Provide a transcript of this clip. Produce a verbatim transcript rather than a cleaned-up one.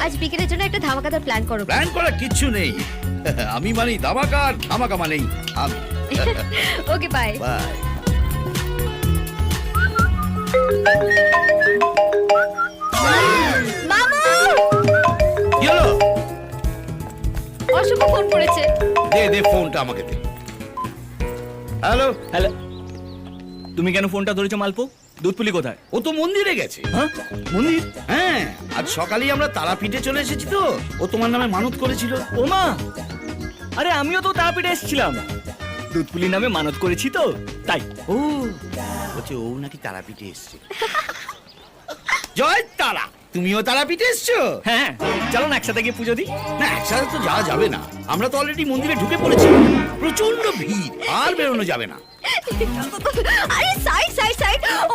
আজ বিকেলের জন্য একটা ধামাকাদার প্ল্যান করো। প্ল্যান করা কিচ্ছু নেই। আমি মানেই ধামাকা, আর ধামাকা মানেই আমি। Okay bye. বাই। মামু! কি হলো? অশুভ ফোন করেছে। দে দে ফোনটা আমাকে দে। হ্যালো। হ্যালো, তুমি কেন ফোনটা ধরেছো মালপো? দুধপুলি কোথায়? ও তো মন্দিরে গেছে। হ্যাঁ, মন্দির? হ্যাঁ, আজ সকালেই আমরা তারাপীঠে চলে এসেছি তো। ও তোমার নামে মানত করেছিল। ও মা, আরে আমিও তো তারাপীঠে এসেছিলাম, দুধপুলি নামে মানত করেছি তো তাই। ও বলছে ও নাকি তারাপীঠে এসছে। জয় তারা, তুমিও তারাপীঠে এসছো? হ্যাঁ, চলো না একসাথে গিয়ে পুজো দিই। না, একসাথে তো যাওয়া যাবে না। আমরা তো অলরেডি মন্দিরে ঢুকে পড়েছি। প্রচন্ড ভিড়, আর বেরোনো যাবে না। আরে সাইড সাইড সাইড